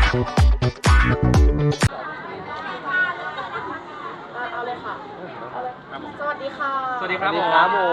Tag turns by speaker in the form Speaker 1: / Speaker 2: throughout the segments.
Speaker 1: เอาเลยค่ะเอาเลยสวัสดีค่ะ
Speaker 2: สวัสดีครับผม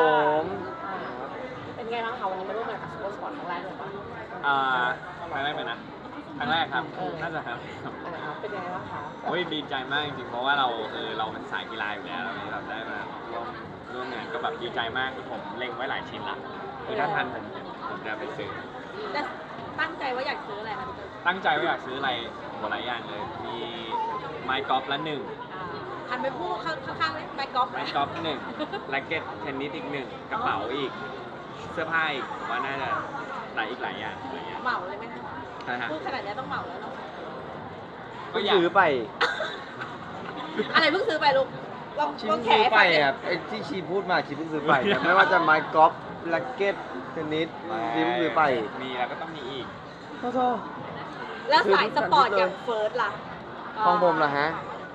Speaker 1: เป็นไงบ้างคะวันนี้มาร่วมงานกับซูเปอร์สปอร์ตครั้งแรกเลยปะ
Speaker 2: ครั้งแรกเลยนะครั้งแรกครับน่าจะครับ
Speaker 1: เป็นยังไงบ้างคะ
Speaker 2: โอ้ยดีใจมากจริงๆเพราะว่าเราเป็นสายกีฬาอยู่แล้วแบบได้มาร่วมงานก็แบบดีใจมากคือผมเล็งไว้หลายชิ้นละคือถ้าทันผมจะไปซื้อ
Speaker 1: แต่ตั้งใจว่าอยากซื้ออะไรคะ
Speaker 2: ตั้งใจว่าอยากซื้ออะไรหลายอย่างเลยมีไม้กอล์ฟละหนึ่ง
Speaker 1: หันไปพูดข้างๆเลยไมค์กอล์ฟ
Speaker 2: ไม้กอล์ฟหนึ่งแร็กเก็ตเทนนิสอีกหนึ่งกระเป๋าอีกเสื้อผ้าอีกผมว่าน่าจะหลายอย่าง
Speaker 1: เหมาเลยไหมคะ
Speaker 2: นะฮะ
Speaker 1: พูดขนาดนี้ต้องเหมาแล้วเนาะ
Speaker 2: ก็อยาก
Speaker 3: ซื้อไป
Speaker 1: อะไรเพิ่งซื้อไปลูกลอง
Speaker 3: ชี
Speaker 1: ลอง
Speaker 3: เพิ่ง
Speaker 1: แข
Speaker 3: ซื้อไป
Speaker 1: ฟังดิ
Speaker 3: ครับไอ้ที่ชีพูดมาชีเพิ่งซื้อไปนะไม่ว่าจะไม้กอล์ฟแร็กเก็ตเทนนิสชีเพิ่งซื้อไป
Speaker 2: มีแล้วก็ต้องมีอีก
Speaker 3: โทษ
Speaker 1: แล้วสายสปอร์ตอย่างเฟิร์สล่ะ
Speaker 3: ของผมเหรอฮะ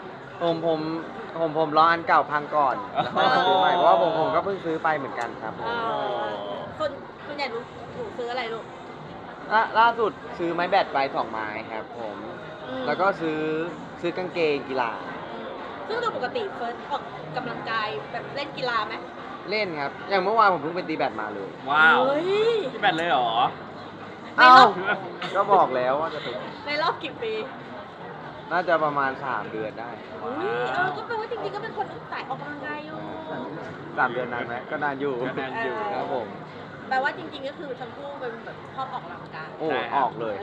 Speaker 3: ผมรออันเก่าพังก่อนแล้วค่อยมาซื้อใหม่เพราะว่าผมก็เพิ่งซื้อไปเหมือนกันครับผม
Speaker 1: ส่วนใหญ่หนูซื้ออะไรลูก
Speaker 3: ล่าสุดซื้อไม้แบดไป2 ไม้ครับผมแล้วก็ซื้อกางเกงกีฬา
Speaker 1: ซึ่งโดยปกติเฟิร์สออกกำลังกายแบบเล่นกีฬาไหม
Speaker 3: เล่นครับอย่างเมื่อวานผมเพิ่งไปตีแบดมาเลย
Speaker 2: ว้าว
Speaker 1: เฮ้ย
Speaker 2: พี่แบตเลยเหรอ
Speaker 1: ในรอบ
Speaker 3: ก็บอกแล้วว่าจะไป
Speaker 1: ในรอบกี่ปี
Speaker 3: น่าจะประมาณ3 เดือนได้
Speaker 1: อุ้ยก็แปลว่าจริงๆก็เป็นคนสายออกกำลังกายอยู่
Speaker 3: 3 เดือนนานไหมก็นานอยู่
Speaker 2: ก็นานอยู่
Speaker 3: ครับผม
Speaker 1: แปลว่าจริงๆก็คือทั้งคู่เป็นแบบชอบออกกำลังกาย
Speaker 3: โอ้ออกเลย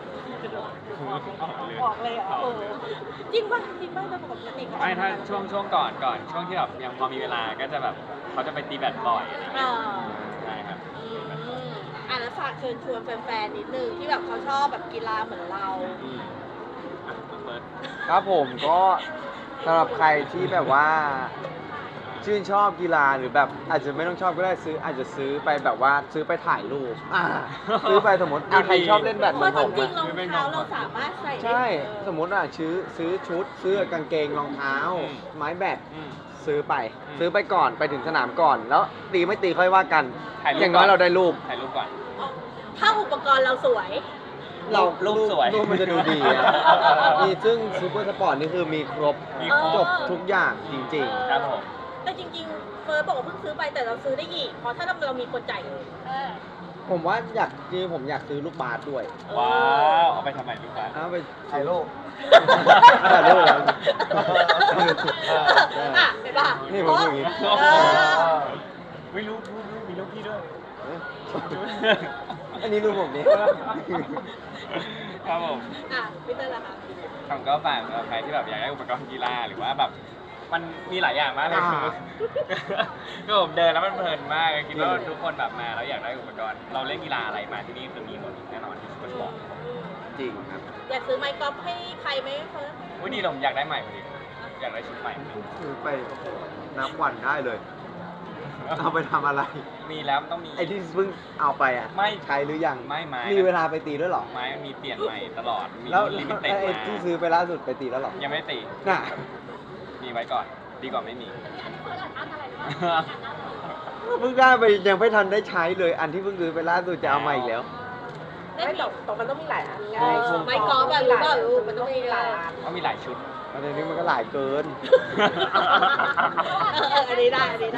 Speaker 1: ออกเลยเหรอจริงป่ะโดยปกติ
Speaker 2: ไม่ถ้าช่วงก่อนช่วงที่แบบยังพอมีเวลาก็จะแบบเขาจะไปตีแบดบ่อยอะไรอย่างเงี้ยใช่ครับ
Speaker 1: แล้วฝากเชิญชวนแฟนๆนิดนึงที่แบบเขาชอบแบบกีฬาเหมือนเรา
Speaker 2: เปิด
Speaker 3: ครับผมก็สำหรับใครที่แบบว่าชื่นชอบกีฬาหรือแบบอาจจะไม่ต้องชอบก็ได้อาจจะซื้อไปแบบว่าซื้อไปถ่ายรูปซื้อไปสมมติใครชอบเล่นแบดเห
Speaker 1: เพ
Speaker 3: มือ
Speaker 1: ราะ
Speaker 3: น
Speaker 1: จ
Speaker 3: ผม
Speaker 1: ริ
Speaker 3: อะ
Speaker 1: งๆรองเท้าเราสามารถใส่ได้
Speaker 3: ใช่สมมติซื้อชุดซื้อกางเกงรองเท้า ไม้แบดซื้อไปก่อนไปถึงสนามก่อน แล้วตีไม่ตีค่อยว่ากัน อย่างน้อยเราได้รูป
Speaker 2: ถ่ายรูปก่อน
Speaker 1: ถ้าอุปกรณ์เราสวย
Speaker 2: รูปสวย
Speaker 3: รูปมันจะดูดีอะนี่ซึ่งซูเปอร์สปอร์ตนี่คือมีครบ
Speaker 2: มีครบ
Speaker 3: จบทุกอย่างจริง
Speaker 2: ครับผม
Speaker 1: แต่จริงๆเฟิร์สบอกว่าเพิ่งซื้อไปแต่เราซื้อได้อีกเพราะถ้าเรามีคนจ่ายเงิน
Speaker 3: ๆ ผมว่าผมอยากซื้อลูกบาสด้วย
Speaker 2: ว้าวเอาไปทำไมลูกค้า
Speaker 3: เอาไปถ่ายรู ป
Speaker 1: ถ่ายรูป
Speaker 3: เหรอ
Speaker 1: เห็นป่ะ
Speaker 3: นี่ผมอย่างงี้
Speaker 2: ไม่รู้มีรูปพี่ด้วย
Speaker 3: อันนี้รูปผมนี่
Speaker 2: ครับผม
Speaker 1: พี่เต้ยล่ะคะ
Speaker 2: ผมก็ฝากสำหรับใครที่แบบอยากได้อุปกรณ์กีฬาหรือว่าแบบมันมีหลายอย่างมากเลยก็ผมเดินแล้วมันเพลินมากคิดว่าทุกคนแบบมาแล้วอยากได้อุปกรณ์เราเล่นกีฬาอะไรมาที่นี่คือมีหมดแน่นอนที่ซุปเปอร์สปอร์ต
Speaker 3: จริงครับ
Speaker 1: อยากซื้อไมค์กอล์ฟให้ใครไหมเฟิร์ส
Speaker 2: อุ้ยดีผมอยากได้ใหม่พอดีอยากได้ชุดใหม่
Speaker 3: ซื้อไปนับวันได้เลย เอาไปทำอะไร
Speaker 2: มีแล้วมันต้องมี
Speaker 3: ไอ้ที่เพิ่งเอาไปอ่ะ
Speaker 2: ไม่
Speaker 3: ใช้หรือยัง
Speaker 2: ไม่ไม้
Speaker 3: มีเวลาไปตีด้วยเหรอ
Speaker 2: ไม้มันมีเปลี่ยนใหม่ตลอดมี
Speaker 3: แล้ว
Speaker 2: ลิมิเต็ด
Speaker 3: ไอ้
Speaker 2: มา
Speaker 3: ที่ซื้อไปล่าสุดไปตีแล้วเหรอ
Speaker 2: ยังไม่ตี
Speaker 3: น่ะ
Speaker 2: มีไว้ก่อนดีกว่าไม่มี
Speaker 3: เพิ่งได้ไปยังไม่ทันได้ใช้เลย อันที่เพิ่งซื้อไปล่าสุดจะเอามาอีกแล้ว
Speaker 1: ไม่ตกมันต้องมีหลายอันไงไมค์กอล์ฟอะรู้เปล่าลูกมันต้องมีหลายอัน
Speaker 2: ก็มีหลายชุด
Speaker 3: อันนี้มันก็หลายเกิน
Speaker 1: อันนี้ได้เลย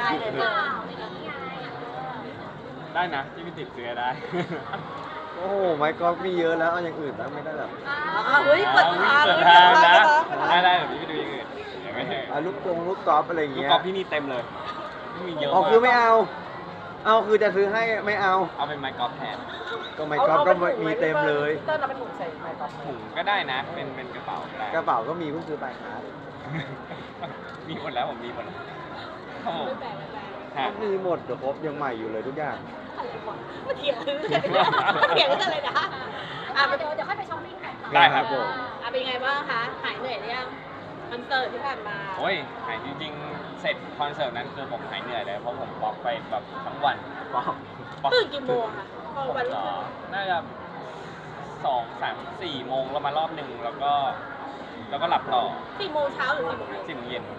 Speaker 2: ได้นะที่ไม่ติดเสื้อได้
Speaker 3: โอ้โหไม้กอล์ฟมีเยอะแล้วเอาอย่างอื่นบ้างไม่ได้แบบ
Speaker 1: เฮ้ยเปิดทาง
Speaker 2: เปิดทางนะได้เดี๋ยวพี่ไปดูอย่างอื่นเดี๋ยวไม่ใช่
Speaker 3: ลูกกอล์ฟอะไรอย่าง
Speaker 2: ลูก
Speaker 3: เงี้ย
Speaker 2: กอล์ฟพี่มีเต็มเลยพี่มีเยอะ
Speaker 3: อ๋อ
Speaker 2: มาก
Speaker 3: คือไม่เอา เอาคือจะซื้อให้ไม่เอา
Speaker 2: เอาเป็นไม้กอล์ฟแทน
Speaker 3: ก็ไม้กอล์ฟก็มีเต็มเลย
Speaker 1: เต้นเราเป็นถุงใส่ไมค์กอล์ฟ
Speaker 2: ถุงก็ได้นะเป็นกระเป๋าก็ได้
Speaker 3: กระเป๋าก็มีเพิ่งซื้อไปครับ
Speaker 2: มีหมดแล้วผมมีหมดแล้วครับผม
Speaker 1: ไม่แปลก
Speaker 2: ฮะ
Speaker 3: มีหมดเดี๋ยวครบยังใหม่อยู่เลยทุกอย่าง
Speaker 1: มาเถียงเรื่องอะไรนะเดี๋ยวค่อยไปช้อปปิ้งกัน
Speaker 2: ได้ครับผม
Speaker 1: เป็นไงบ้างคะหายเหนื่อยหรือยังคอนเสิร์ตที่ผ่านมา
Speaker 2: โอ้ยหายจริงๆ เสร็จคอนเสิร์ตนั้นคือผมหายเหนื่อยเลยเพราะผมบล็อกไปแบบทั้งวันบล็อก
Speaker 1: ตื่นกี่โมงค่ะพอวันรุ่งขึ้น
Speaker 2: น่าจะ2 3 4 โมงแล้วมารอบหนึ่งแล้วก็หลับต่อ
Speaker 1: 4 โมงเช้าหรือ4 โมง
Speaker 2: 10 โมงเย็น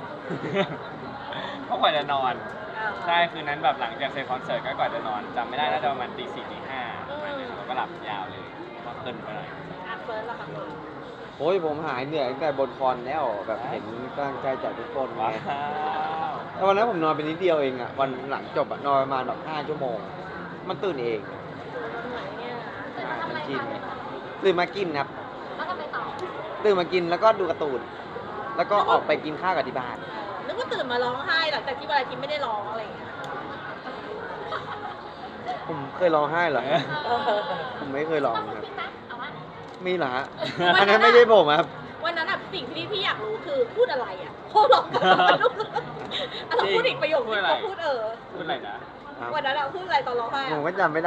Speaker 2: เพราะกว่าจะนอน ใช่คืนนั้นแบบหลังจากเสร็จคอนเสิร์ตก็ก่อนจะนอนจำไม่ได้น่าจะประมาณตี 4 ตี 5ประมาณนั้นแล้วก็หลับยาวเลยเพราะเพลินไปหน่อย
Speaker 1: คเฟิร์สล่ะคะเฟิร์ส
Speaker 3: โอ้ยผมหายเหนื่อยตั้งแต่บนคอนแล้วแบบเห็นกำลังใจจากทุกคนไง
Speaker 2: ว้าว
Speaker 3: แต่วันนั้นผมนอนไปนิดเดียวเองอ่ะวันหลังจบอะนอนประมาณแบบ5 ชั่วโมง มันตื่นเอง
Speaker 1: เหมือนเนี่ย
Speaker 3: มันกินตื่นมากินครับ
Speaker 1: แล้วก็ไปต่อ
Speaker 3: ตื่นมากินแล้วก็ดูการ์ตูน แล้วก็ออกไปกินข้าวกับที่บ้าน
Speaker 1: นึกว่าตื่นมาร้องไห้หลังจากที่วันอาทิตย์ไม่ได้ร้องอะไรอย่างเงี้ย
Speaker 3: ผมเคยร้องไห้เหรอ ผมไม่เคยร้อง
Speaker 1: ต้อง
Speaker 3: ครับ
Speaker 1: คิดนะเอาว่า
Speaker 3: มีเหรอฮะ อันนั้นไม่ใช่ผมครับ
Speaker 1: วันนั้นอะสิ่งที่พี่อยากรู้คือพูดอะไรอะพอร้องกันเราพูดอีกประโยคนึงเขาพูด
Speaker 2: พูดอะไรนะ
Speaker 1: วันนั้นเราพูดอะไรตอนร้องไห้
Speaker 3: ผม
Speaker 1: อะ
Speaker 3: ก็จำไม่ได้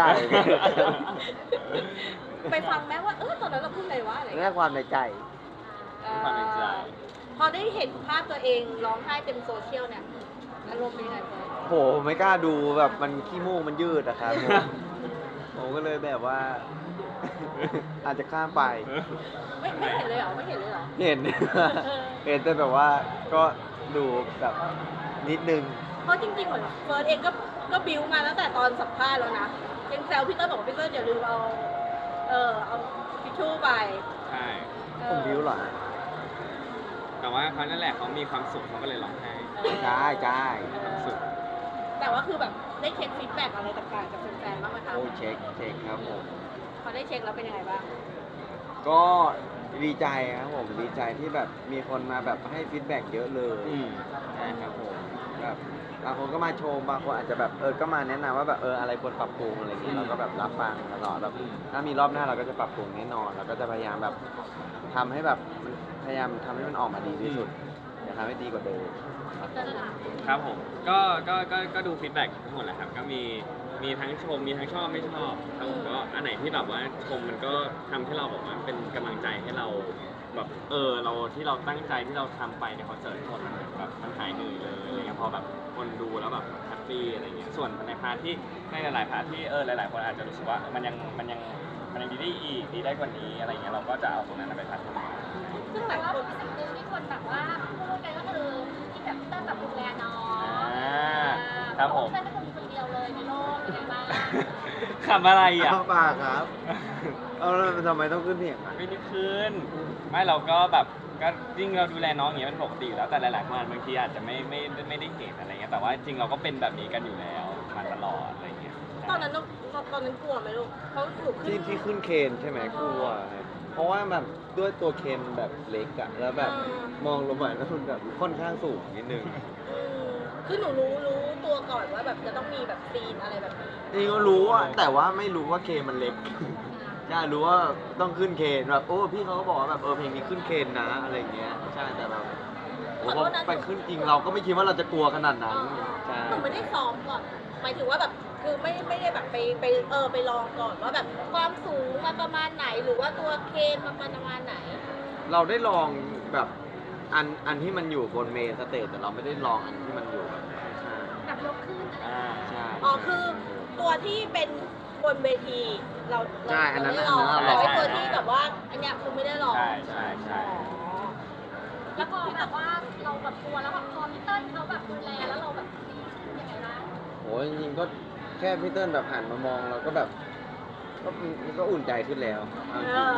Speaker 1: ไปฟังแม้ว่าตอนนั้นเราพูดอะไรวะอะไร
Speaker 3: แค่ความในใจ
Speaker 2: ความในใจ
Speaker 1: พอได้เห็นภาพตัวเองร้องไห้เต็มโซเชียลเนี่ยอารมณ์เป็นยังไงเฟิร์ส
Speaker 3: โหไม่กล้าดูแบบมันขี้มูกมันยืดอะครับผมก็เลยแบบว่า อาจจะข้ามไป
Speaker 1: ไม่เห็นเลยเหรอไม่เห็นเลยเหรอ
Speaker 3: เห็น เห็นแต่แบบว่าก็ดูแบบนิดนึง
Speaker 1: เพราะจริงๆเหมือนเฟิร์สเองก็บิวมาตั้งแต่ตอนสัมภาษณ์แล้วนะยังแซวพี่เต้ยบอกว่าพี่เต้ยอย่าลืมเอาทิชชู่ไป
Speaker 2: ใช่
Speaker 3: ผมบิวเหรอ
Speaker 2: แต่ว่าเขานั่นแหละเขามีความสุขเขาก็เลยร้องไห้
Speaker 3: ใช่ใช่
Speaker 2: มีความสุข
Speaker 1: แต่ว่าคือแบบได้เช็คฟีดแบ็กอะไรต่างๆจากแฟนๆบ้างไหมคะ
Speaker 3: โอ้เช็คครับผม
Speaker 1: พอได้เช็คแล้วเป็นยังไงบ้าง
Speaker 3: ก็ดีใจครับผมดีใจที่แบบมีคนมาแบบให้ฟีดแบ็กเยอะเลย
Speaker 2: อืม
Speaker 3: ใช่ครับผมแบบบางคนก็มาชมบางคนอาจจะแบบก็มาแนะนำว่าแบบอะไรควรปรับปรุงอะไรอย่างเงี้ยเราก็แบบรับฟังตลอดแบบถ้ามีรอบหน้าเราก็จะปรับปรุงแน่นอนเราก็จะพยายามแบบทำให้แบบมันพยายามทำให้มันออกมาดีที่สุดอย่าทำให้ดีกว่าเดิมครับ
Speaker 2: ครับผมก็ดูฟีดแบ็กทั้งหมดแหละครับก็มีทั้งชมมีทั้งชอบไม่ชอบครับผมก็อันไหนที่แบบว่าชมมันก็ทำให้เราแบบว่าเป็นกำลังใจให้เราแบบเราที่เราตั้งใจที่เราทำไปในคอนเสิร์ตทั้งหมดมันแบบมันหายเหนื่อยเลยอะไรเงี้ยพอแบบคนดูแล้วแบบแฮปปี้อะไรเงี้ยส่วนในพาร์ทที่ในหลายๆพาร์ทที่หลายๆคนอาจจะรู้สึกว่ามันยังดีได้อีกดีได้กว่านี้อะไรเงี้ยเราก็จะเอาตรงนั้นไปพัฒนา
Speaker 1: ซึ่งหลายคนสิ่งหนึ่งที่คนแบบว่าพูดกันก็คือที่แบบเต้ยแบบดูแลน้อง
Speaker 2: ครับผม
Speaker 1: เต้ยเป็นคนเดียวเลยในโลกเป็นไงบ้าง
Speaker 2: ขำอะไรอ่ะ
Speaker 3: เอาปากครับ เอาแล้วทำไมต้องขึ้นเสียงอ่ะ
Speaker 2: ไม่ได้ขึ้นไม่เราก็แบบก็ยิ่งเราดูแลน้องอย่างเงี้ยเป็นปกติอยู่แล้วแต่หลายๆคนบางทีอาจจะไม่ได้เห็นอะไรเงี้ยแต่ว่าจริงเราก็เป็นแบบนี้กันอยู่แล้วมาตลอดอะไรเงี้ย
Speaker 1: ตอนนั้นกลัวไหมลูกเขาถูกขึ้น
Speaker 3: ที่ขึ้นเคนใช่ไหมกลัวครับเพราะว่าแบบด้วยตัวเคนแบบเล็กอะแล้วแบบมองลงมาแล้วมันแบบค่อนข้างสูงนิดนึง
Speaker 1: คือหนูรู้ตัวก่อนว่าแบบจะต้องมีแบบซีนอะไรแบบนี้
Speaker 3: นี่ก็รู้อะแต่ว่าไม่รู้ว่าเคนมันเล็ก ใช่รู้ว่าต้องขึ้นเคนแบบพี่เขาก็บอกว่าแบบเพลงนี้ขึ้นเคนนะอะไรอย่างเงี้ยใช่แต่แบบโอ้พอไปขึ้นจริงเราก็ไม่คิดว่าเราจะกลัวขนาดนั้นใช่
Speaker 1: หนูไม่ได้ซ้อมก่อนหมายถึงว่าแบบคือไม่ได้แบบไปลองก่อนว่าแบบความสูงมันประมาณไหนหรือว่าตัวเคนมันประมาณไหน
Speaker 3: เราได้ลองแบบอันที่มันอยู่บนเมนสเตจแต่เราไม่ได้ลองอันที่มันอยู่แบบ
Speaker 1: แบบยกขึ้น
Speaker 2: อ่า
Speaker 3: ใช่
Speaker 1: อ๋อคือตัวที่เป็นบนเวทีเรา
Speaker 3: ใช่อันนั้น
Speaker 1: ไม่ได้ลอง
Speaker 3: อันนั้นเรา
Speaker 1: แต่ไอ้ตัวที่แบบว่าอันเนี้ยคือไม่ได้ลอง
Speaker 2: ใช่ใช่ใช่
Speaker 4: แล้วพอแบบว่าเราแบบกลัวแล้วแบบพอพี่เติ้ลเขาแบบดูแลแล้วเราแบบดีขึ้นยังไงบ้าง
Speaker 3: โอ้ยจริงๆก็แค่พี่เติ้ลแบบหันมามองเราก็แบบมันก็อุ่นใจขึ้นแล้วเอาจริง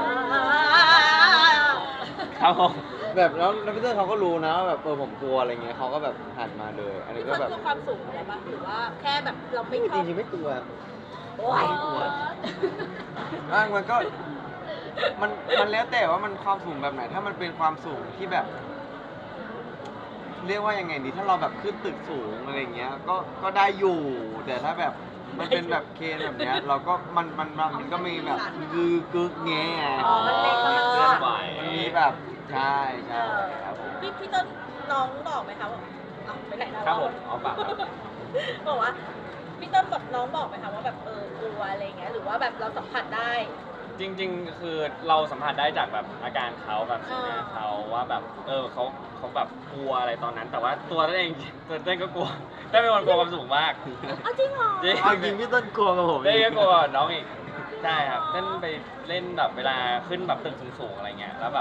Speaker 2: ครับผม
Speaker 3: แบบแล้วพี่เติ้ลเขาก็รู้นะว่าแบบผมกลัวอะไรเงี้ยเขาก็แบบหันมาเลย อันนี้ก็
Speaker 1: ก็
Speaker 3: แบบ
Speaker 1: คือความสูงอะไรปะหรือว่าแค่แบบเราไม่ช
Speaker 3: จ
Speaker 1: อบ
Speaker 3: ริงๆไม่กลัว
Speaker 1: โอ้ย
Speaker 3: มันก็มันแล้วแต่ว่ามันความสูงแบบไหน ถ้ามันเป็นความสูงที่แบบ เรียกว่ายังไงดีถ้าเราแบบขึ้นตึกสูงอะไรเงี้ยก็ได้อยู่ แต่ถ้าแบบมันเป็นแบบเคนแบบเนี้ย เราก็มันก็มีแบบกึกแง
Speaker 1: อ๋อมันเล็ก
Speaker 2: เค
Speaker 1: มาก
Speaker 2: ลื่อนไหว
Speaker 3: มันมีแบบใช่ใช่ครับผม
Speaker 1: พี่ต้นน้องบอกไหมคะว่าเอาไปไหนแล้ว
Speaker 2: ครับผมเอาปากครับ
Speaker 1: บอกว่าพี่ต้นแบบน้องบอกไหมคะว่าแบบกลัวอะไรเงี้ยหรือว่าแบบเราสัมผัสได้
Speaker 2: จริงๆ คือเราสัมผัสได้จากแบบอาการเขาแบบสีหน้าเขาว่าแบบเขาแบบกลัวอะไรตอนนั้น แต่ว่าตัวเต้นเองตัวเต้นก็กลัวเต้นเป็นคนกลัวความสูงมาก
Speaker 1: อ้าวจริงเหรอ
Speaker 2: จริง
Speaker 3: เอาจริงพี่ต้นกลัวกับผม
Speaker 2: เต้นก็กลัวน้องอีกใช่ครับเต้นไปเล่นแบบเวลาขึ้นแบบตึกสูงๆอะไรเงี้ยแล้วแบบ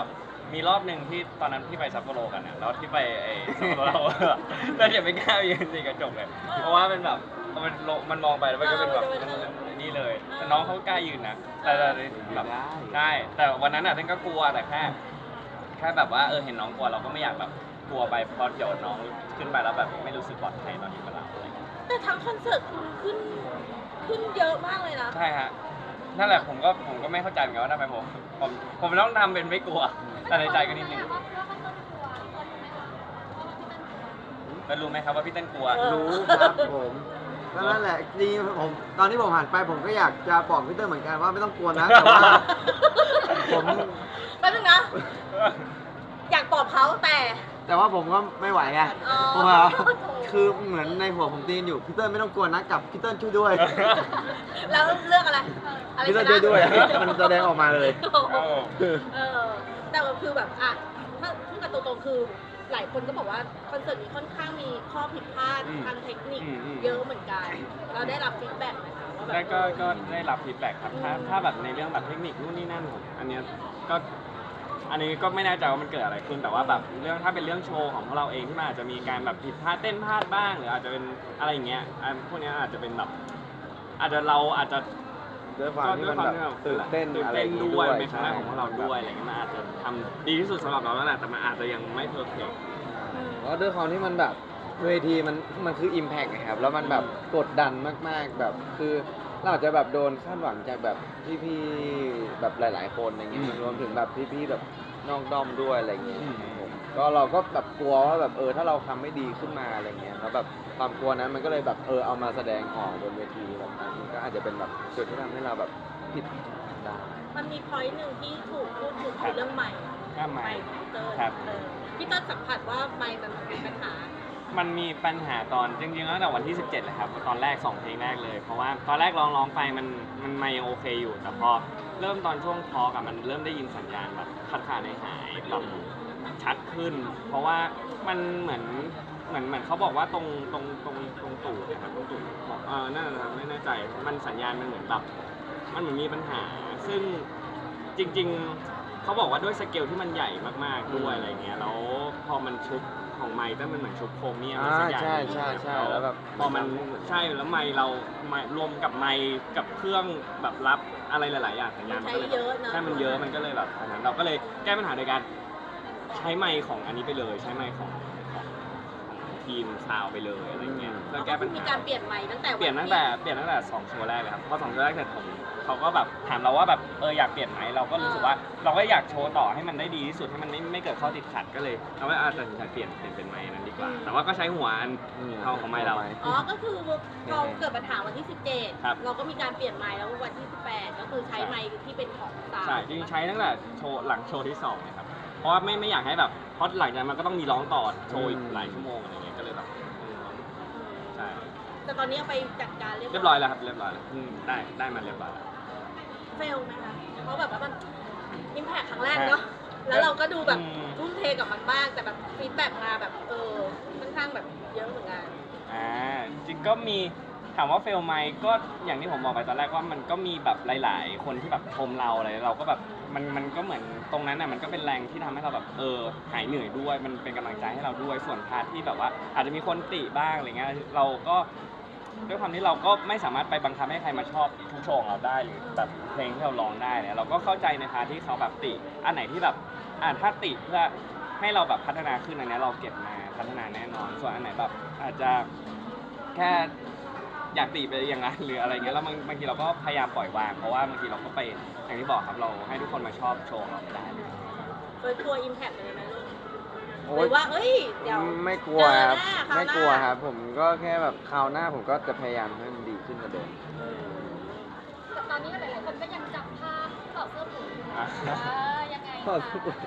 Speaker 2: มีรอบหนึ่งที่ตอนนั้นที่ไปซัปโปโรกันนะแล้วที่ไปซัปโปโรเราแต่เดี๋ยวไม่กล้ายืนสิกระจกเลยเพราะว่ามันแบบมันมองไปแล้วมันก็เป็นแบบนี่เลยแต่น้องเขากล้ายืนนะแต่แบบใช่แต่วันนั้นเต้นก็กลัวแต่แค่แบบว่าเห็นน้องกลัวเราก็ไม่อยากแบบกลัวไปเพราะเดี๋ยวน้องขึ้นไปแล้วแบบไม่รู้สึกปลอดภัยตอนอยู่กับเราอะไรอย่างเงี้ย
Speaker 1: แต่ทั้งคอนเสิร์ตคุณขึ้นเยอะมากเลยนะ
Speaker 2: ใช่ฮะนั่นแหละผมก็ไม่เข้าใจเหมือนกันว่าทำไมผมต้องทำเป็นไม่กลัวแต่ในใจก็นิดนึง
Speaker 4: ว่ามันต้นกลัวคนรู้ไหมคะว่าพี่เต้นกลัว
Speaker 2: แล้วรู้ไหมครับว่าพี่เต้นกลัว
Speaker 3: รู้ครับผมก็นั่นแหละจริงๆผมตอนที่ผมหันไปผมก็อยากจะบอกพี่เตอร์เหมือนกันว่าไม่ต้องกลัวนะแต่ว่าผม
Speaker 1: แป๊บนึงนะ อยากตอบเขาแต่
Speaker 3: แต่ว่าผมก็ไม่ไหวไง
Speaker 1: อ๋อ
Speaker 3: ผมว่าคือเหมือนในหัวผมตีนอยู่พี่เตอร์ไม่ต้องกลัวนะกับพี่เตอร์ช่วยด้วย
Speaker 1: แล้วเลือกอะไรอะไร
Speaker 3: พี่เตอร์
Speaker 1: ช
Speaker 3: ช่
Speaker 1: นะ
Speaker 3: วยด้วยมันแสดงออกมาเลย
Speaker 1: โอ้โหแต่ว่าคือแบบถ้าพูดกันตรงๆคือหลายคนก็บอกว่าคอนเสิร์ตนี้ค่อนข้างมีข้อผิดพลาดทางเทคนิคเยอะเหมือนกัน เราได้รับฟีดแบ็กไหมคะว่าแบบ
Speaker 2: แล้วก็ได้รับฟีดแบ็กครับถ้าแบบในเรื่องแบบเทคนิคนู่นนี่นั่นผมอันนี้ก็ไม่แน่ใจว่ามันเกิดอะไรขึ้นแต่ว่าแบบเรื่องถ้าเป็นเรื่องโชว์ของพวกเราเองที่มันอาจจะมีการแบบผิดพลาดเต้นพลาดบ้างหรืออาจจะเป็นอะไรอย่างเงี้ยพวกนี้อาจจะเป็นแบบอาจจะ
Speaker 3: ด้วยความที่มันแบบตื่นเต้นอะไรอย่างงี้
Speaker 2: ด้
Speaker 3: ด้
Speaker 2: ว
Speaker 3: วย ย
Speaker 2: เป็นครั้งแรกของพวกเราด้วยอะไรเงี้ยมันอาจจะทำดีที่สุดสำหรับเราแล้วแหละแต่มันอาจจะยังไม่เพอร์เฟกต์
Speaker 3: เพราะด้วยความที่มันแบบเวทีมันคือ Impact นะครับแล้วมันแบบกดดันมากๆแบบคือเราอาจจะแบบโดนคาดหวังจากแบบพี่ๆแบบหลายๆคนอะไรเงี้ยมันรวมถึงแบบพี่ๆแบบนอกด้อมด้วยอะไรเงี้ยครับผมก็เราก็แบบกลัวว่าแบบถ้าเราทำไม่ดีขึ้นมาอะไรเงี้ยแล้วแบบความกลัวนั้นมันก็เลยแบบเอามาแสดงออกบนเวทีแบบนั้นมันก็อาจจะเป็นแบบจุดที่ทำให้เราแบบผิดได้
Speaker 1: มันมีพอยต์หนึ่งที่ถูกพูดถึงคือเรื่องใหม่
Speaker 2: ก็ไม่
Speaker 1: พี่เติ้ล
Speaker 2: ครับ
Speaker 1: พี่เติ้ลสัมผัสว่าไมค์มันมีปัญหา
Speaker 2: มันมีปัญหาตอนจริงๆตั้งแต่วันที่ 17เลยครับตอนแรก2เพลงแรกเลยเพราะว่าตอนแรกร้องไปมันยังโอเคอยู่ แต่พอเริ่มตอนช่วงทอล์กมันเริ่มได้ยินสัญญาณแบบขาดหายแบบชัดขึ้น เพราะว่ามันเหมือนเขาบอกว่าตรงตูดนะครับตรงตูดบอกน่าจะไม่แน่ใจมันสัญญาณมันเหมือนแบบมันเหมือนมีปัญหา ซึ่งจริงๆเขาบอกว่าด้วยสเกลที่มันใหญ่มากๆด้วยอะไรเงี้ยแล้วพอมันชุบของไมค์แต่มันเหมือนชุบโครเมียมสักอย่าง
Speaker 3: ใช่แล้วแบบ
Speaker 2: พอมันใช่แล้วไมค์เรารวมกับไมค์กับเครื่องแบบรับอะไรหลายๆอย่างสัญญาณมันก็เลย
Speaker 1: ใช้เยอะเนอะ
Speaker 2: ใช่มันเยอะมันก็เลยแบบอันนั้นเราก็เลยแก้ปัญหาโดยการใช้ไมค์ของอันนี้ไปเลยใช้ไมค์ของทีมซาวไปเลยอะไรเงี้ยเพื่อแก้ปัญ
Speaker 1: มี
Speaker 2: หา
Speaker 1: การเปลี่ยนใหม่ตั้งแต่
Speaker 2: เปลี่ยนตั้งแต่2โชว์แรกเลยครับพอ2โชว์แรกเสร็จเขาก็แบบถามเราว่าแบบอยากเปลี่ยนไหมเราก็รู้สึกว่าเราก็อยากโชว์ต่อให้มันได้ดีที่สุดให้มันไม่เกิดข้อติดขัดก็เลยเราก็ตัดสินใจเปลี่ยนเป็นไมค์นั้นดีกว่า แต่ว่าก็ใช้หัวอันเท่าของไมค์เรา
Speaker 1: อ๋อก็คือพอเกิดปัญหาวันที่
Speaker 2: ครับ
Speaker 1: 17 เราก็มีการเปลี่ยนไมค์แล้ววันที่ 18 ก็คือใช้ไมค์ที่เป็นของซาว
Speaker 2: ใช่จริงๆใช้ตั้งแต่โชว์หลังโชว์ที่2เลยครับเพราะว่าไม่อยากให้แบบเพราะหลังจากนั้นมันก็ต้องมีร้องต่อโชว์อีกหลายชั่วโมงอะไรเงี้ยก็เลยแบบใช่
Speaker 1: แต่ตอนนี้เอาไปจัดการเรี
Speaker 2: เรียบร้อยแล้วครับเรียบร้อยแล้วได้มาเรียบร้อยแล้ว
Speaker 1: เฟลไหมคะเพราะแบบว่ามันอิมแพคครั้งแรกเนาะแล้วเราก็ดูแบบทุ่มเทกับมันมากแต่แบบฟีดแบ็กมาแบบค่อนข้างแบบเยอะเหมือนกัน
Speaker 2: จริงก็มีถามว่าเฟลไหมก็อย่างที่ผมบอกไปตอนแรกว่ามันก็มีแบบหลาย ๆ คนที่แบบชมเราอะไรเราก็แบบมันก็เหมือนตรงนั้นน่ะมันก็เป็นแรงที่ทำให้เราแบบหายเหนื่อยด้วยมันเป็นกำลังใจให้เราด้วยส่วนพาร์ทที่แบบว่าอาจจะมีคนติบ้างอะไรเงี้ยเราก็ด้วยความที่เราก็ไม่สามารถไปบังคับให้ใครมาชอบทุกโชว์ของเราได้หรือแบบเพลงที่เราร้องได้เนี่ยเราก็เข้าใจในพาร์ทที่เขาแบบติอันไหนที่แบบถ้าติเพื่อให้เราแบบพัฒนาขึ้นอันนี้เราเก็บมาพัฒนาแน่นอน ส่วนอันไหนแบบอาจจะแค่อยากติไปอย่างนั้นหรืออะไรเงี้ยแล้วบางทีเราก็พยายามปล่อยวางเพราะว่าบางทีเราก็ไปอย่างที่บอกครับเราให้ทุกคนมาชอบโชว์ของเราไม่ได้เลย
Speaker 1: เคยทัวร์อิมแพคเลยไหมลูก
Speaker 3: โอ๊
Speaker 1: ห
Speaker 3: ย
Speaker 1: รือว่าเดี๋ยว
Speaker 3: ไม่กลัวครับ
Speaker 1: เจอหน้าคราวหน้า
Speaker 3: ไม่กลัวครับ ผมก็แค่แบบคราวหน้าผมก็จะพยายามให้มันดีขึ้นกว่าเดิม
Speaker 4: แต่ตอนนี้หลายๆคนก็ยังจับภาพต่อดเสื้อผูกอยู่ยังไง
Speaker 3: ต่อเสื้อผูก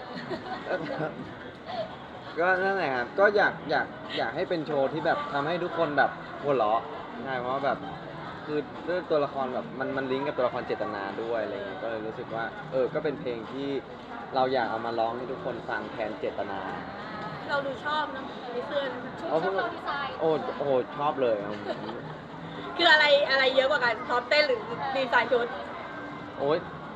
Speaker 3: ก็นั่นแหละครับก็อยากให้เป็นโชว์ที่แบบทำให้ทุกคนแบบหัวเราะใช่เพราะว่าแบบคือด้วยตัวละครแบบมันลิงก์กับตัวละครเจตนาด้วยอะไรเงี้ยก็เลยรู้สึกว่าก็เป็นเพลงที่เราอยากเอามาร้องให้ทุกคนฟังแทนเจตนา
Speaker 1: เราดูชอบนะในเสื้อ
Speaker 4: ชุดเราดีไซน์
Speaker 3: โอ้ชอบเลยครับ
Speaker 1: คืออะไรเยอะกว่ากันชอบเต้นหรือดีไซน์ชุด
Speaker 3: โอ้ย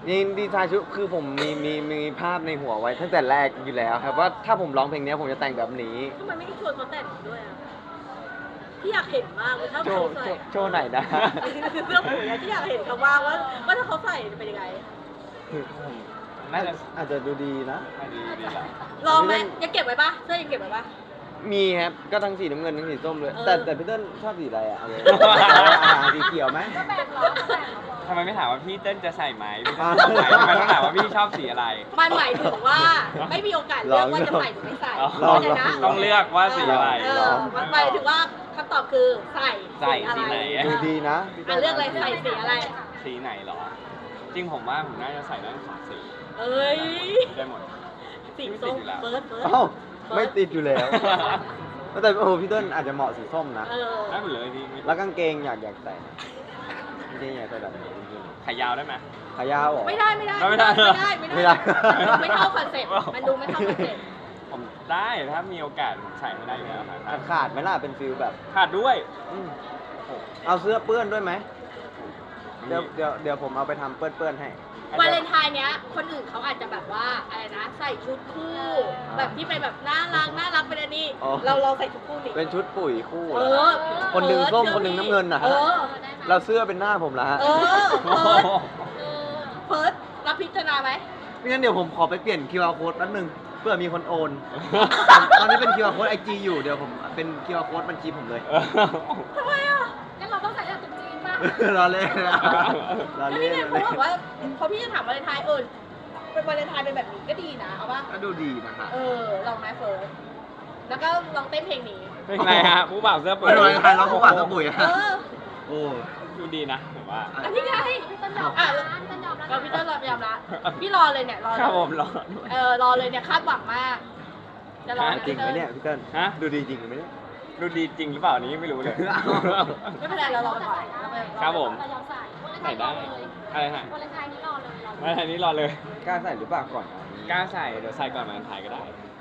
Speaker 3: นี่ดีไซน์ชุดคือผมมีภาพในหัวไว้ตั้งแต่แรกอยู่แล้วครับว่าถ้าผมร้องเพลงนี้ผมจะแต่งแบบนี้
Speaker 1: ทำไมไม่ได้ชวนเขาแต่งด้วยอ่ะพี่อยากเห็นมากเลยถ้า
Speaker 3: โช
Speaker 1: เขา
Speaker 3: ว์
Speaker 1: ใส่
Speaker 3: โชว์ไหนนะ
Speaker 1: เสื้อผืนเนี่ยที่อยากเห็นเขาว่าถ้าเขาใส่จะเป็นยังไง
Speaker 2: น่าจะ
Speaker 3: อาจจะดูดีนะ
Speaker 2: ดีดีแหละ
Speaker 1: ลองไหมยังเก็บไว้ปะเสื้อยังเก็บไว้ปะ
Speaker 3: มีครับก็ทั้งสีน้ำเงินทั้งสีส้มเลย
Speaker 1: เออ
Speaker 3: แต่พี่เติ้ลชอบสีอะไรอ่ะเอาเลยสีเขียวไหม
Speaker 4: ก็แบ่งเหรอก็แบ่งเหรอ
Speaker 2: ทำไมไม่ถามว่าพี่เต้นจะใส่ไหมพี่เต้นชอบไหมทำไมต้องถามว่าพี่ชอบสีอะไร
Speaker 1: มันหมายถึงว่าไม่มีโอกาสเลือกว่าจะใส่หรือไม่ใส่
Speaker 2: ลอง
Speaker 1: เข้าใจนะ
Speaker 2: ต้องเลือกว่าสีอะไร
Speaker 1: มันหมายถึงว่าคำตอบคือใส่
Speaker 2: ใส่สีไหน
Speaker 3: ดูดีนะ
Speaker 1: เลือกอะไรใส่สีอะไร
Speaker 2: สีไหนเหรอ จริงผมว่าผมน่าจะใส่ได้สองสี
Speaker 1: เอ้ย
Speaker 2: ได้หมด
Speaker 1: สีส้มเฟิร์ส
Speaker 3: เอ้าไม่ติดอยู่แล้ว แต่โอ้พี่เติ้ลอาจจะเหมาะสีส้มนะ
Speaker 2: ได้หมดเลยพี่
Speaker 3: แล้วกางเกงอยากใส่นะกางเกงอยากใส่แบบไหนจริง
Speaker 2: ขายาวได้ไหม
Speaker 3: ๆขายาวเหรอ
Speaker 1: ไม่ได้
Speaker 3: ไม่ได้
Speaker 1: ไม่เท่าคอนเซ็ปต์มันดูไม่เท่าคอนเซ็ปต์
Speaker 2: ผมได้ถ้ามีโอกาสผมใส่ไม่ได้อยู่แล้วครับ
Speaker 3: ขาดไหมล่ะเป็นฟิลแบบ
Speaker 2: ขาดด้วย
Speaker 3: อืมเอาเสื้อเปื้อนด้วยไหมเดี๋ยวผมเอาไปทำเปื้อนๆให้
Speaker 1: วาเลนไทน์เนี้ยคนอื่นเขาอาจจะแบบว่าอะไรนะใส่ชุดคู่ แบบที่เป็นแบบน่ารักเป็นอันนี้
Speaker 3: อ๋อ
Speaker 1: เราใส่ชุดคู่นี่
Speaker 3: เป็นชุดปุ๋ยคู่
Speaker 1: เอ
Speaker 3: เหรอ
Speaker 1: อ
Speaker 3: คนหนึ่งส้มคนหนึ่งน้ำเงินนะ
Speaker 1: เอ
Speaker 3: ฮะ
Speaker 1: อ
Speaker 3: เราเสื้อเป็นหน้าผมละฮะ
Speaker 1: เออเฟิร์สรับพิจารณาไหม
Speaker 3: ไม่งั้นเดี๋ยวผมขอไปเปลี่ยน QR code แป๊บนึงเพื่อมีคนโอน ตอนนี้เป็น QR code IG อยู่เดี๋ยวผมเป็น QR code บัญชีผมเลย
Speaker 1: ทำไมอ่ะ
Speaker 4: งั้นเราต้องใส่แต่ตุ๊กจีนป่ะ
Speaker 3: รอเล่นนะรอ
Speaker 1: แล้ว
Speaker 3: เล่
Speaker 1: นี่
Speaker 3: น
Speaker 1: ไงเขาบอกว่าพอพี่จะถามวาเลนไทน์เป็นวาเลนไทน์เป็นแบบนี้ก็ดีนะเอาป่ะ
Speaker 3: ก็ดูดีนะฮะ
Speaker 1: ลองไหมเฟิร์สแล้วก็ลองเต้นเพลงนี้
Speaker 2: เป็นไงฮะผู้บ่าวเสื้อปุ๋ย
Speaker 3: ไม่เป็นไรใครร้องผู้บ่าวเสื้อปุ๋ย
Speaker 1: เอ
Speaker 3: ฮะ
Speaker 1: อ
Speaker 3: โอ้
Speaker 2: ดูดีนะผมว่า
Speaker 1: อันนี้ไง
Speaker 4: พี่ต้นยอม
Speaker 1: อ่ะ
Speaker 4: ร้านต้นยอมร้าน
Speaker 1: เราพี่เต้นยอมละพี่รอเลยเนี่ยรอเลย
Speaker 2: ครับผมรอ
Speaker 1: รอเลยเนี่ยคาดหวังมาก จะรอ
Speaker 3: จริงไหมเนี่ยพี่เติ้ล
Speaker 2: ฮะ
Speaker 3: ดูดีจริงไหมเนี่ย
Speaker 2: ดูดีจริงหรือเปล่านี้ไม่รู้เลย
Speaker 1: ไม่เป็นไรเรารอก่อน
Speaker 2: ครับผม
Speaker 4: เรายอมใส่วันเลนไท
Speaker 2: ใส่
Speaker 4: น์ร
Speaker 2: ได้
Speaker 4: อเลย
Speaker 2: อะไรฮะ
Speaker 4: วันเลนไทน์นี้รอเลย
Speaker 2: มาทางนี้รอเลย
Speaker 3: กล้าใส่หรือเปล่าก่อน
Speaker 2: กล้าใส่เดี๋ยวใส่ก่อนมาถ่ายก็ได้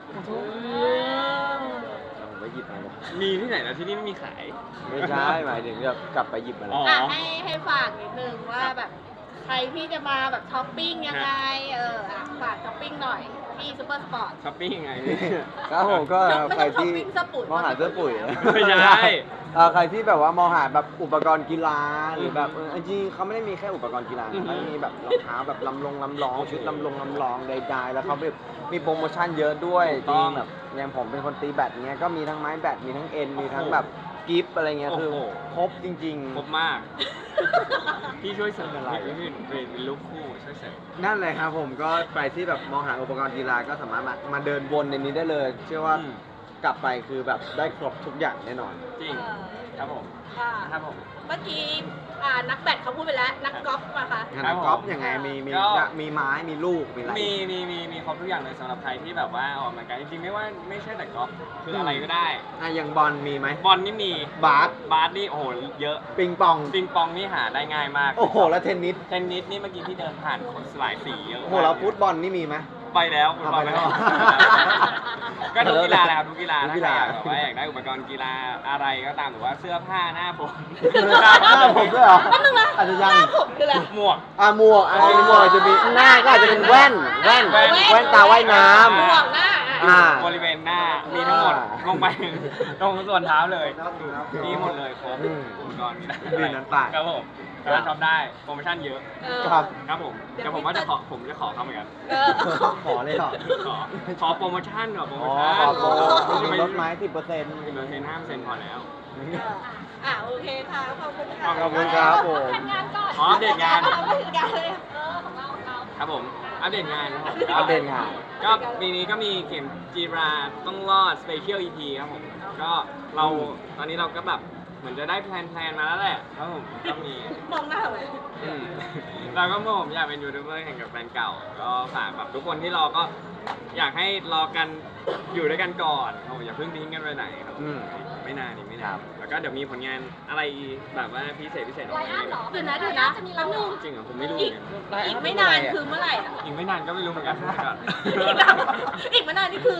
Speaker 3: ผมไปหยิบมาเลย
Speaker 2: มีที่ไหนนะที่นี่ไม่มีขาย
Speaker 3: ไม่ใช่หมายถึงแบบกลับไปหยิบมาเล
Speaker 2: อ๋
Speaker 3: ย
Speaker 2: อ
Speaker 1: ให้ฝากนิดนึงว่าแบบใครที่จะมาแบบช้อปปิ้งยังไงฝากช้อปปิ้งหน่อยที่ซูเปอร์สปอร์ต
Speaker 2: ช้อปปิ้งยังไง
Speaker 3: ครับผมก็
Speaker 1: ไม่
Speaker 3: ใคร
Speaker 1: ต้องช้อป
Speaker 3: ที่
Speaker 1: ปิ้งเสื้อปุ๋ย
Speaker 3: มองหาเสื้อปุ๋ย
Speaker 2: ไม่ใช่
Speaker 3: ใครที่แบบว่ามองหาแบบอุปกรณ์กีฬาหรือแบบจริงๆเขาไม่ได้มีแค่อุปกรณ์กีฬา
Speaker 2: อือฮึ
Speaker 3: เขาจะมีแบบรองเท้าแบบลำลองชุดลำลองใดๆแล้วเขาแบบมีโปรโมชั่นเยอะด้วยจริงแบบอย่างผมเป็นคนตีแบดเงี้ยก็มีทั้งไม้แบดมีทั้งเอ็นมีทั้งแบบกิฟต์อะไรเงี้ยคือครบจริง
Speaker 2: ครบมาก พี่ช่วยเสริมอะไรพี่เป็นลูกคู่ช่วยเสริม
Speaker 3: ๆ นั่นเลยครับผมก็ไปที่แบบมองหาอุปกรณ์กีฬาก็สามารถมาเดินวนในนี้ได้เลย เชื่อว่า
Speaker 2: อืม
Speaker 3: กลับไปคือแบบได้ครบทุกอย่างแน่นอน
Speaker 2: จริง ครับผม
Speaker 1: ค่ะ
Speaker 2: ครับผม
Speaker 1: เมื่อกี้นักแบดเขาพูดไปแล้ว นักกอล์ฟมาคะ
Speaker 3: งานกอล์ฟยังไงมีไม้มีลูกมีอะไร
Speaker 2: มีครบทุกอย่างเลยสำหรับใครที่แบบว่าออกกำลังกายจริงๆไม่ใช่แต่กอล์ฟคืออะไรก็ได้
Speaker 3: อย่างบอลมีไหม
Speaker 2: บอลนี่มี
Speaker 3: บาส
Speaker 2: นี่โอ้โหเยอะ
Speaker 3: ปิงปอง
Speaker 2: ปิงปองนี่หาได้ง่ายมาก
Speaker 3: โอ้โห แล้วเทนนิส
Speaker 2: เทนนิสนี่เมื่อกี้ที่เดินผ่านคนหลายสีเยอะ
Speaker 3: โอ้โห แล้วฟุตบอลนี่มีไหม
Speaker 2: ไปแล้วฟุตบอล
Speaker 3: ไปแล้ว
Speaker 2: ก็ทุกกีฬาแหละครับทุกกีฬา
Speaker 3: ทุก
Speaker 2: ถ้า
Speaker 3: กี
Speaker 2: ใคร
Speaker 3: ฬา
Speaker 2: อยากแบบว่าอยากได้อุปกรณ์กีฬาอะไรก็ตามหรือว่าเสื้อผ้าหน้าผม
Speaker 3: หน้าผมด้วยเหรอ
Speaker 1: แป๊บนึงนะ
Speaker 3: อาจจะยัง
Speaker 1: หน้าผมคืออะไร
Speaker 2: หมวก
Speaker 3: หมวกมีหมวกอาจจะมีหน้าก็อาจจะเป็นแว่นแว่นตาว่ายน้
Speaker 1: หมวกหน้า
Speaker 3: อ่า
Speaker 2: บริเวณหน้ามีทั้งหมด
Speaker 3: อ่า
Speaker 2: ลงไปตรงส่วนเท้าเลย
Speaker 3: ครับ
Speaker 2: มีหมดเลยครบ
Speaker 3: อืม
Speaker 2: อุปกรณ์กีฬา
Speaker 3: มีนั้นไป
Speaker 2: ครับผมสามารถช็อปได้โปรโมชั่นเยอะ
Speaker 3: ครับ
Speaker 2: ครับผมเดี๋ยวผมว่าจะขอเข้าเหมือนกัน
Speaker 3: ขอเลยเหรอ
Speaker 2: ขอโปรโมชั่นเหรอโปรโม
Speaker 3: อ๋อ
Speaker 2: ชั่น
Speaker 3: ขอโปร
Speaker 2: จะ
Speaker 3: มี
Speaker 2: ไม่
Speaker 3: ลดไม้10%
Speaker 2: 5%พอแล้ว
Speaker 1: โอเคค่ะ ขอบคุณค่ะ
Speaker 3: ขอบคุณครับผม
Speaker 4: ทำงานก่อน
Speaker 2: อ๋ออัปเดตงาน
Speaker 1: ไม่ถึงการเลย
Speaker 4: ของเรา
Speaker 2: ครับผมอัปเดตงานนะครับ
Speaker 3: อัปเดตงาน
Speaker 2: ก็ปีนี้ก็มีเข็มจีราต้องรอด Special EP ครับผม ก็เราตอนนี้เราก็แบบเหมือนจะได้แพลนมาแล้วแหละครับผมก็มี
Speaker 1: มองหน้าทำไม
Speaker 2: เราก็ผมอยากเป็นยูทูบเบอร์แข่งกับแฟนเก่า ก็ฝากแบบทุกคนที่รอก็อยากให้รอกันอยู่ด้วยกันก่อนครับผมอย่าเพิ่งทิ้งกันไปไหนครับ
Speaker 3: อืม
Speaker 2: ไม่นานนี่ไม่
Speaker 3: ครั
Speaker 2: นาน
Speaker 3: บ
Speaker 2: แล้วก็เดี๋ยวมีผลงานอะไรแบบว่าพิเศษออก
Speaker 4: ไล
Speaker 2: มา
Speaker 4: อ้อนเหรอ
Speaker 1: เดี๋ยวนะแป๊บนึง
Speaker 2: จริงเหรอผมไม่รู้เห
Speaker 1: อี
Speaker 2: มื
Speaker 1: ก
Speaker 2: อนกัน
Speaker 1: อีกไม่นานคือเมื่อไหร่อ่ะ
Speaker 2: อีกไม่นานก็ไม่รู้เหมือนกันก่อน
Speaker 1: อีกไม่นานนี่คือ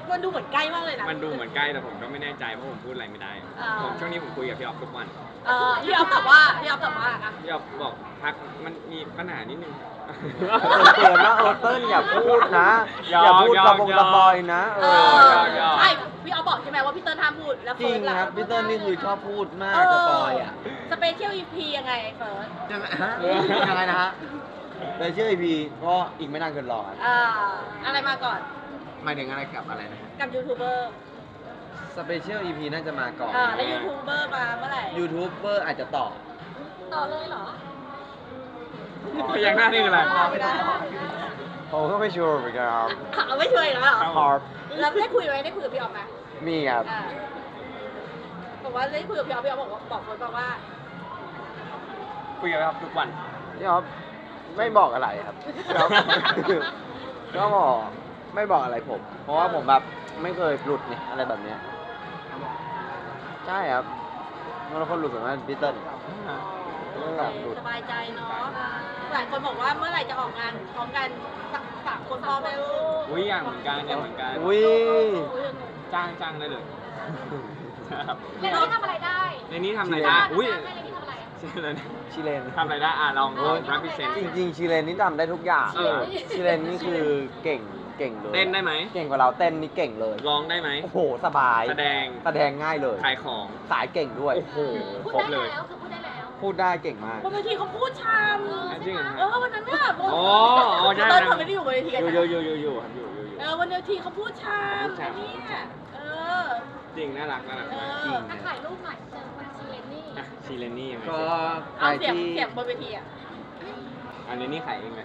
Speaker 1: มันดูเหมือนใกล้มากเลยนะ
Speaker 2: มันดูเหมือนใกล้แต่ผมก็ไม่แน่ใจเพราะผมพูดอะไรไม่ได้
Speaker 1: อ่า
Speaker 2: ผมช่วงนี้ผมคุยกับพี่ออฟทุกวัน
Speaker 1: พี่ออฟตอบว่าอ่ะ
Speaker 2: พี่ออฟบอกพักมันมีปัญหานิดนึง
Speaker 3: เตือนว่าเติ้ลอย่าพูดนะ
Speaker 2: ยอม
Speaker 3: อย่าพูด
Speaker 2: ยอม
Speaker 3: กระบง
Speaker 2: ยอม
Speaker 3: กระบอยนะ
Speaker 1: ใช่พี่ออฟบอกใช่ไหมว่าพี่เติ้ลห้ามพูดแล้ว
Speaker 3: จริ
Speaker 1: เฟิร์
Speaker 3: ง
Speaker 1: สล่ะ
Speaker 3: ครับพี่เติ้ลนี่คือชอบพูดมากสปอยอ่ะ
Speaker 1: สเปเชียลอีพียังไงเฟิร์ส
Speaker 3: ยังไงฮะยังไงนะฮะแต่เชื่ออีพีก็อีกไม่นานเกินรอครับ
Speaker 1: อะไรมาก่อน
Speaker 3: หมายถึงอะไรกับอะไรนะ
Speaker 1: กับยูทูบเบอร์
Speaker 3: สเปเชียลอีพีน่าจะมาก่อน
Speaker 1: แล้วยูทูบเบอร์มาเมื่อไหร่
Speaker 3: ยูทูบเบอร์อาจจะต่อ
Speaker 4: ต่อเลยเหรอ
Speaker 2: พยักหน้านี่คืออะไร
Speaker 1: ไม่ได้
Speaker 3: ผมก็ไม่ชัวร์เหมือนกันครับ
Speaker 1: เอาไม่ช่วยแล้วเหรอ
Speaker 3: ครับ
Speaker 1: แล้วได้คุยไหมได้คุยกับพี่ออฟไหม
Speaker 3: มีครับ
Speaker 1: บอกว่าได้คุยกับพี่ออฟบอกเฟิร์สบอกว่า
Speaker 2: คุยกับพี่ออฟทุกวัน
Speaker 3: พี่อ๊อฟไม่บอกอะไรครับพี่อ๊อฟก็บอกไม่บอกอะไรผม เพราะว่าผมแบบไม่เคยหลุดนี่อะไรแบบเนี้ยใช่ครับเมื่อคนหลุดส่วนมากพี่เติ้ลไม่แบบหลุด
Speaker 1: สบายใจเนาะ หลายคนบอกว่าเมื่อไหร่จะออกงานพร้อมกันสามคนพ่อแม่ลูก
Speaker 2: อุ้ยอย่างเหมือนกันอย่างเหมือนกัน
Speaker 3: อุ้ย
Speaker 2: จ้างได้เลยครับ
Speaker 4: เรนนี่ทำอะไรได้
Speaker 2: ในนี้ทำอะไรได้อุ้ย
Speaker 4: ให้เรนนี่ทำอะไร
Speaker 2: ชื่ออะไรนะ
Speaker 3: ชิเลน
Speaker 2: ทำอะไรได้ลองรับพิเศษ
Speaker 3: จริงๆชิเลนนี่ทำได้ทุกอย่าง
Speaker 2: เออ
Speaker 3: ชิเลนนี่คือเก่งเลย
Speaker 2: เต้นได้ไหม
Speaker 3: เก่งกว่าเราเต้นนี่เก่งเลย
Speaker 2: ร้องได้ไหม
Speaker 3: โอ้โหสบาย
Speaker 2: แสดง
Speaker 3: แสดงง่ายเลย
Speaker 2: ขายของ
Speaker 3: สายเก่งด้วย
Speaker 2: โอ้โห
Speaker 4: พูด
Speaker 2: ครบ
Speaker 4: ได้
Speaker 2: เลย
Speaker 4: แล้วคือพูดได้แล้ว
Speaker 3: พูดได้เก่งมาก
Speaker 1: บนเวทีเขาพูดชาม
Speaker 2: จริงเหรอ
Speaker 1: วันนั้นน่ะ
Speaker 2: อ๋อใช่
Speaker 1: ตอน
Speaker 2: นะ
Speaker 1: เขาไม่ได้อยู่บนเวทีกัน
Speaker 2: อยู่
Speaker 1: นะ
Speaker 2: อยู่ครับอยู่
Speaker 1: วันเวทีเขาพูดชาม
Speaker 2: พูดชาม
Speaker 1: เนี่ยอ
Speaker 2: จริงน่ารักมาก
Speaker 3: จริง
Speaker 4: ถ้าถ่ายรูปหน่อยเจอคุณซีเรนนี่
Speaker 2: อ่ะชีเลนนี่ยังไง
Speaker 3: ก็ใคร
Speaker 1: เอาเสียง
Speaker 3: ที่
Speaker 1: เสียงบนเวทีอ่ะ
Speaker 2: อันนี้ขายเองเลย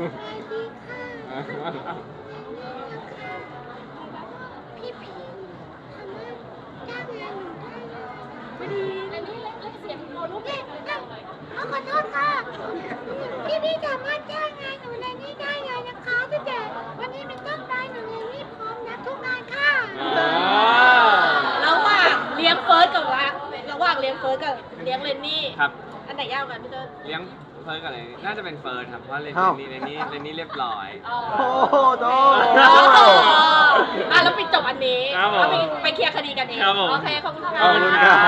Speaker 4: ไม่ดีเรนนี่เล่นเสียงโมลูกเด็กเลยจังเลย
Speaker 5: ขอโทษค่ะ พี่สามารถจ้างงานหนูในนี้ได้เลยนะคะตั้งแต่วันนี้เป็นต้นไปหนูในนี้พร้อมรับทุกงานค่ะ
Speaker 1: ระหว่างเลี้ยงเฟิร์สกับระหว่างเลี้ยงเฟิร์สกับเลี้ยงเลนนี่
Speaker 2: ครับ
Speaker 1: อันไหนยากกว่ากันพี่เติ้ล
Speaker 2: เลี้ยงเฟิร์สกับอะไรน่าจะเป็นเฟิร์สครับเพราะเรน
Speaker 3: อ้าว
Speaker 2: นี่เรนนี่เรียบร้อย
Speaker 3: โอ้โหโต
Speaker 1: แล้วปิดจบอันนี้
Speaker 2: ครับผม
Speaker 1: เอาไปเคลียร์คดีกันเอง
Speaker 2: ครับผม
Speaker 1: โอเคขอบคุณค่ะ
Speaker 3: ขอบคุณครับ